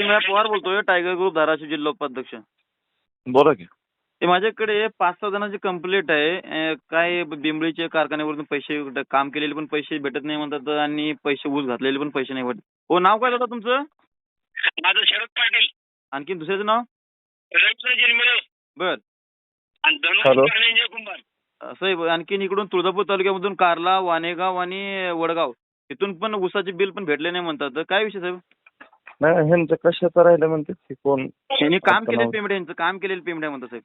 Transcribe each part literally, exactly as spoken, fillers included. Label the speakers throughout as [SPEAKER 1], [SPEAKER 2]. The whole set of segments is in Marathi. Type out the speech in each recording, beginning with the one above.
[SPEAKER 1] चिन्मय पवार बोलतोय, टायगर ग्रुप धाराशिव जिल्हा उपाध्यक्ष.
[SPEAKER 2] बोला की.
[SPEAKER 1] ते माझ्याकडे पाच सहा जणांची कंप्लेंट आहे. अं, काय बिंबळीच्या कारखान्यावरून पैसे काम केलेले पण पैसे भेटत नाही म्हणतात आणि पैसे ऊस घातलेले पण पैसे नाही भेटत. हो, नाव काय दादा तुमचं?
[SPEAKER 3] माझं शरद पाटील.
[SPEAKER 1] आणखी दुसऱ्याचं नाव?
[SPEAKER 3] रवींद्र जिरमिरे
[SPEAKER 1] बर.
[SPEAKER 3] आणि
[SPEAKER 2] हॅलो.
[SPEAKER 3] धनुष्य कुंभार.
[SPEAKER 1] असं आहे. आणखीन इकडून तुळजापूर तालुक्यामधून कारला, वाणेगाव आणि वडगाव इथून पण ऊसाचे बिल पण भेटले नाही म्हणतात. तर काय विषय साहेब?
[SPEAKER 2] नाही ह्यांचं कशाचं राहिलं म्हणते की कोण
[SPEAKER 1] त्यांनी काम
[SPEAKER 2] आता
[SPEAKER 1] केलेलं
[SPEAKER 2] नाव-
[SPEAKER 1] पेमेंट यांचं काम केलेलं पेमेंट आहे म्हणतात साहेब.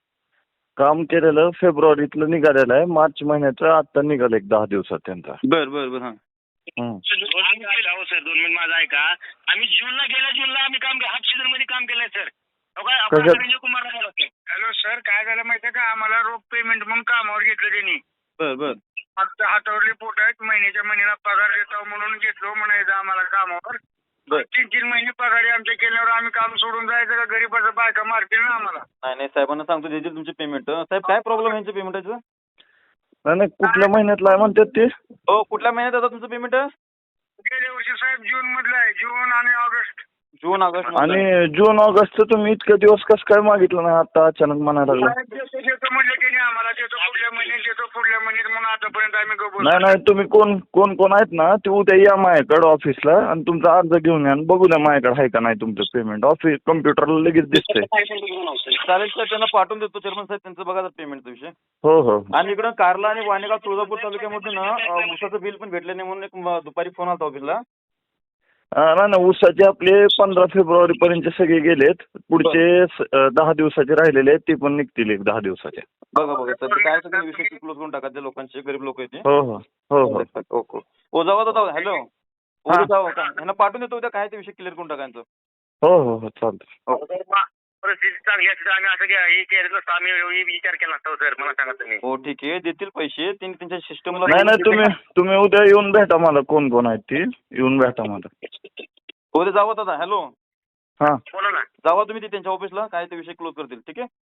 [SPEAKER 2] काम केलेलं फेब्रुवारीतलं निघालेलं आहे. मार्च महिन्याचं आता निघालं एक दहा दिवसात त्यांचा.
[SPEAKER 1] बर बर बर. हा.
[SPEAKER 2] हं.
[SPEAKER 3] आम्ही केलं हो सर, दोन मिनिट माझं ऐका. आम्ही जूनला गेल्या जूनला आम्ही काम हाफ सीझन मध्ये काम केलंय सर.
[SPEAKER 2] कशात?
[SPEAKER 3] रवींद्र कुमार. हॅलो सर, काय झालं माहितीये का, आम्हाला रोख पेमेंट म्हणून कामावर घेतलं त्यांनी.
[SPEAKER 1] बर बर.
[SPEAKER 3] आमच्या हातावरली पोट आहेत, महिन्याच्या महिन्याला पगार देतो म्हणून घेतलो म्हणायचं आम्हाला कामावर.
[SPEAKER 1] बर.
[SPEAKER 3] तीन तीन महिने पगार आमच्या केल्यावर आम्ही काम सोडून जायचं का? गरीबाचं बायका मारतील ना आम्हाला.
[SPEAKER 1] नाही नाही साहेबांना सांगतो देतील तुमचे पेमेंट. साहेब काय प्रॉब्लेम आहे यांच्या पेमेंटचं?
[SPEAKER 2] नाही नाही कुठल्या महिन्यातलं आहे म्हणतात ते?
[SPEAKER 1] हो, कुठल्या महिन्यात येतं तुमचं पेमेंट?
[SPEAKER 3] गेल्या वर्षी साहेब जून मधलं आहे, जून आणि ऑगस्ट.
[SPEAKER 1] जून ऑगस्ट.
[SPEAKER 2] आणि जून ऑगस्टचं तुम्ही इतके दिवस कसं काय मागितलं नाही आता अचानक म्हणायला लागलं?
[SPEAKER 3] देतो देतो म्हणलं की आम्हाला, देतो पुढल्या महिन्यात, देतो पुढल्या महिन्यात म्हणून आतापर्यंत आम्ही गप्प
[SPEAKER 2] नाही नाही तुम्ही कोण कोण कोण आहेत ना ते उद्या या माझ्याकडे ऑफिसला आणि तुमचा अर्ज घेऊन या आणि बघू द्या माझ्याकडे आहे का नाही तुमचं पेमेंट. ऑफिस कम्प्युटरला लगेच दिसतंय.
[SPEAKER 1] चालेल साहेब, त्यांना पाठवून देतो चेअरमन साहेब, त्यांचं बघा पेमेंटचा विषय.
[SPEAKER 2] हो हो.
[SPEAKER 1] आणि इकडं कारला आणि वाणेगाव तुळजापूर तालुक्यामध्ये ना अं, ऊसाचं बिल पण भेटलं नाही म्हणून एक म- दुपारी फोन आला ऑफिसला.
[SPEAKER 2] अं, नाही ना ऊसाचे आपले पंधरा फेब्रुवारी पर्यंत सगळे गेलेत. पुढचे स- अं, दहा दिवसाचे राहिलेले आहेत ते पण निघतील एक दहा दिवसाचे.
[SPEAKER 1] बघा बघा सर, ते काय सगळे विषय क्लोज करून टाका. त्या लोकांचे गरीब लोक आहेत ते.
[SPEAKER 2] हो हो हो हो.
[SPEAKER 1] ओके. ओ जावा दादा. हॅलो.
[SPEAKER 2] हा.
[SPEAKER 1] ओ जावा का ह्यांना पाठवून देतो उद्या, काय ते विषय क्लिअर करून टाका यांचं.
[SPEAKER 2] हो हो हो चालतं.
[SPEAKER 1] ओके.
[SPEAKER 3] परिस्थिती चांगली असते आम्ही असं घ्या हे केलं नसतं, आम्ही हे विचार केला नसता हो सर, मला सांगा तुम्ही.
[SPEAKER 1] हो ठीक आहे, देतील पैसे. त्यांनी त्यांच्या सिस्टमला.
[SPEAKER 2] नाही नाही तुम्ही तुम्ही उद्या येऊन भेटा मला कोण कोण आहेत ती येऊन भेटा मला.
[SPEAKER 1] उद्या जावा दादा. हॅलो.
[SPEAKER 2] हा.
[SPEAKER 3] बोला ना.
[SPEAKER 1] जावा तुम्ही ते त्यांच्या ऑफिसला, काय ते विषय क्लोज करतील. ठीक आहे.